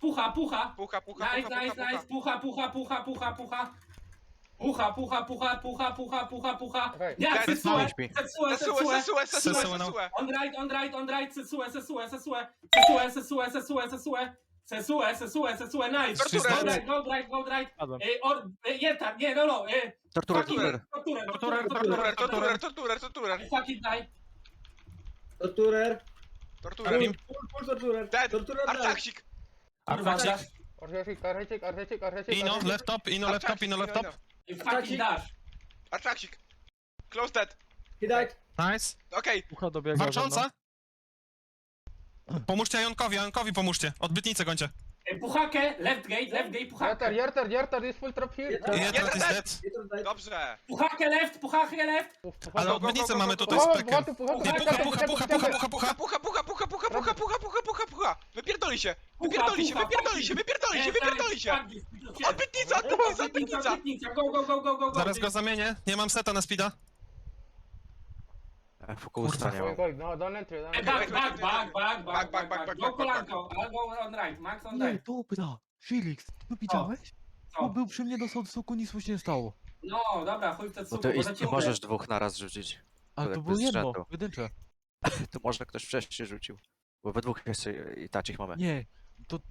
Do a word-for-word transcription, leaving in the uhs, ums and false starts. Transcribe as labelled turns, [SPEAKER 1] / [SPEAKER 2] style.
[SPEAKER 1] pucha, pucha.
[SPEAKER 2] Pucha, pucha,
[SPEAKER 1] Nice,
[SPEAKER 2] pucha,
[SPEAKER 1] nice,
[SPEAKER 2] pucha,
[SPEAKER 1] nice. Pucha, pucha, pucha, pucha, pucha. Pucha, pucha, pucha, pucha, pucha, pucha, pucha.
[SPEAKER 3] Okej.
[SPEAKER 1] Nie,
[SPEAKER 2] Dead.
[SPEAKER 1] Sesue,
[SPEAKER 4] Śpi.
[SPEAKER 1] Sesue,
[SPEAKER 2] Sesue,
[SPEAKER 1] Sesue.
[SPEAKER 2] sesue, sesue,
[SPEAKER 5] Sesue, no.
[SPEAKER 2] sesue.
[SPEAKER 1] On right, on right, on right, Sesue, Sesue, Sesue. Sesue, Sesue, Sesue, Sesue. Sesue, Sesue, Sesue, nice.
[SPEAKER 2] Torturę.
[SPEAKER 1] Go right, go right, go right.
[SPEAKER 5] Padłem.
[SPEAKER 1] E, or, e, Jetar, nie, no, no. E,
[SPEAKER 4] Torturer,
[SPEAKER 1] fucking-
[SPEAKER 4] torturer.
[SPEAKER 1] Torturer,
[SPEAKER 5] Torturer,
[SPEAKER 1] torturer,
[SPEAKER 2] Torturer,
[SPEAKER 1] torturer.
[SPEAKER 2] torturer, torturer, torturer.
[SPEAKER 1] Fucking die.
[SPEAKER 6] Torturer.
[SPEAKER 2] Torturer.
[SPEAKER 6] Full, full torturer.
[SPEAKER 2] Dead.
[SPEAKER 6] Torturer dead.
[SPEAKER 2] Artaksik.
[SPEAKER 1] Kurwa,
[SPEAKER 5] Artaksik.
[SPEAKER 1] dash.
[SPEAKER 3] Archecik, archecik, archecik, archecik.
[SPEAKER 5] Ino,
[SPEAKER 3] archecik.
[SPEAKER 5] left top, ino, left top, ino, left top.
[SPEAKER 1] Fucking dash.
[SPEAKER 2] Artaksik. Close dead.
[SPEAKER 6] He died.
[SPEAKER 5] Nice.
[SPEAKER 2] Okej.
[SPEAKER 7] Pucha dobiega ze mną.
[SPEAKER 5] Walcząca. Pomóżcie Jonkowi, Jonkowi pomóżcie. Odbytnicę gońcie.
[SPEAKER 1] E, Puchakę, left gate, left gate,
[SPEAKER 3] Jartar,
[SPEAKER 1] puchakę.
[SPEAKER 3] Jartar, Jartar, jest full trap here.
[SPEAKER 6] Jartar.
[SPEAKER 5] Jetar is
[SPEAKER 2] Jetar.
[SPEAKER 5] dead.
[SPEAKER 6] He died.
[SPEAKER 2] Dobrze.
[SPEAKER 1] Puchakę left, puchakę left.
[SPEAKER 3] Puf, puf,
[SPEAKER 5] Ale
[SPEAKER 2] go,
[SPEAKER 5] odbytnicę
[SPEAKER 2] go, go,
[SPEAKER 5] mamy
[SPEAKER 2] go,
[SPEAKER 5] tutaj
[SPEAKER 2] go.
[SPEAKER 5] z
[SPEAKER 3] Pucha,
[SPEAKER 5] pekiem.
[SPEAKER 3] pucha, pucha,
[SPEAKER 5] Nie, pucha, pucha, pucha, pucha, pucha, pucha.
[SPEAKER 2] Pucha, pucha, pucha, pucha, pucha, pucha, pucha, pucha, pucha. Wypierdoli się.
[SPEAKER 1] Pucha,
[SPEAKER 2] Wypierdoli się,
[SPEAKER 1] pucha,
[SPEAKER 2] wypierdoli się, wypierdoli się, wypierdoli się. Odbytnica, odbytnica, odbytnica.
[SPEAKER 1] Odbytnica, go, go, go, go, go, go.
[SPEAKER 5] Zaraz go zamienię. Nie mam seta na speeda.
[SPEAKER 4] Fokusa nie
[SPEAKER 3] Going,
[SPEAKER 4] mam.
[SPEAKER 3] going, no, don't entry, don't
[SPEAKER 1] E,
[SPEAKER 3] entry.
[SPEAKER 1] Back, back, back, back,
[SPEAKER 2] Back,
[SPEAKER 1] back,
[SPEAKER 2] back,
[SPEAKER 1] back,
[SPEAKER 2] back,
[SPEAKER 1] back.
[SPEAKER 2] back,
[SPEAKER 1] Go
[SPEAKER 2] back,
[SPEAKER 1] kolanko, I'll go on right, max on
[SPEAKER 7] Nie,
[SPEAKER 1] right.
[SPEAKER 7] dobra. Felix, tu widziałeś?
[SPEAKER 1] Co?
[SPEAKER 7] On był przy mnie, dostał soku, nic mu się nie stało.
[SPEAKER 1] No, dobra, chuj w te
[SPEAKER 4] No
[SPEAKER 1] cuku,
[SPEAKER 4] to
[SPEAKER 1] bo
[SPEAKER 4] i,
[SPEAKER 1] za
[SPEAKER 4] nie
[SPEAKER 1] cię
[SPEAKER 4] możesz dwóch naraz rzucić.
[SPEAKER 7] Ale
[SPEAKER 4] To
[SPEAKER 7] to
[SPEAKER 4] jakby
[SPEAKER 7] było
[SPEAKER 4] z
[SPEAKER 7] jedno,
[SPEAKER 4] rzędu.
[SPEAKER 7] pojedyncze.
[SPEAKER 4] To może ktoś wcześniej rzucił. Bo we dwóch jeszcze i tacich mamy.
[SPEAKER 7] Nie, to